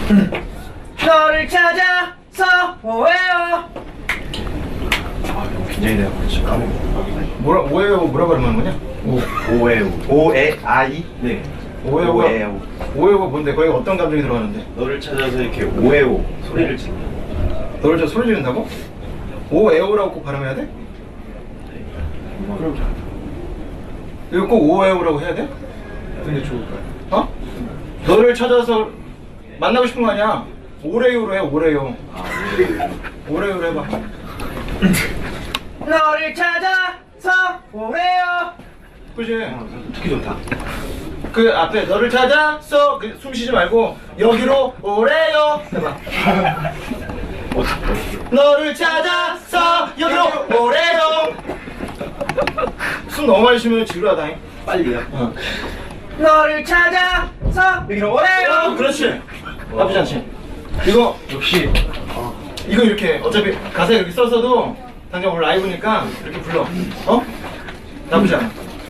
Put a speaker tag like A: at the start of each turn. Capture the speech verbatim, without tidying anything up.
A: 너를 찾아서 오해요.
B: 아 굉장히 내가 그렇지.
C: 뭐라 오해요 뭐라 그러는 거냐?
B: 오 오에오 오에 아이 네
C: 오해요가
B: 오에오
C: 오해요가 뭔데? 거기 어떤 감정이 들어가는데?
B: 너를 찾아서 이렇게 오에오 소리를 지른다.
C: 너를 저 소리 지른다고? 오에오라고 꼭 발음해야 돼?
B: 그럼
C: 이거 꼭 오에오라고 해야 돼?
B: 근데 좋을까요?
C: 어? 너를 찾아서 만나고 싶은 거 아니야? 오레요로 해 오레요.
B: 아
C: 오레요로 해봐.
A: 너를 찾아서 오해요.
C: 그지?
B: 듣기 좋다.
C: 그 앞에 너를 찾아서 그 숨 쉬지 말고 여기로 오래요 해봐. 너를 찾아서 여기로 오래요. 숨 너무 많이 쉬면 지루하다잉.
B: 빨리요.
C: 어.
A: 너를 찾아서 여기로 오해요.
C: 그렇지. 나쁘지 않지. 이거
B: 역시
C: 이거 이렇게 어차피 가사 이렇게 썼어도 당장 오늘 라이브니까 이렇게 불러. 어? 나쁘지 않아.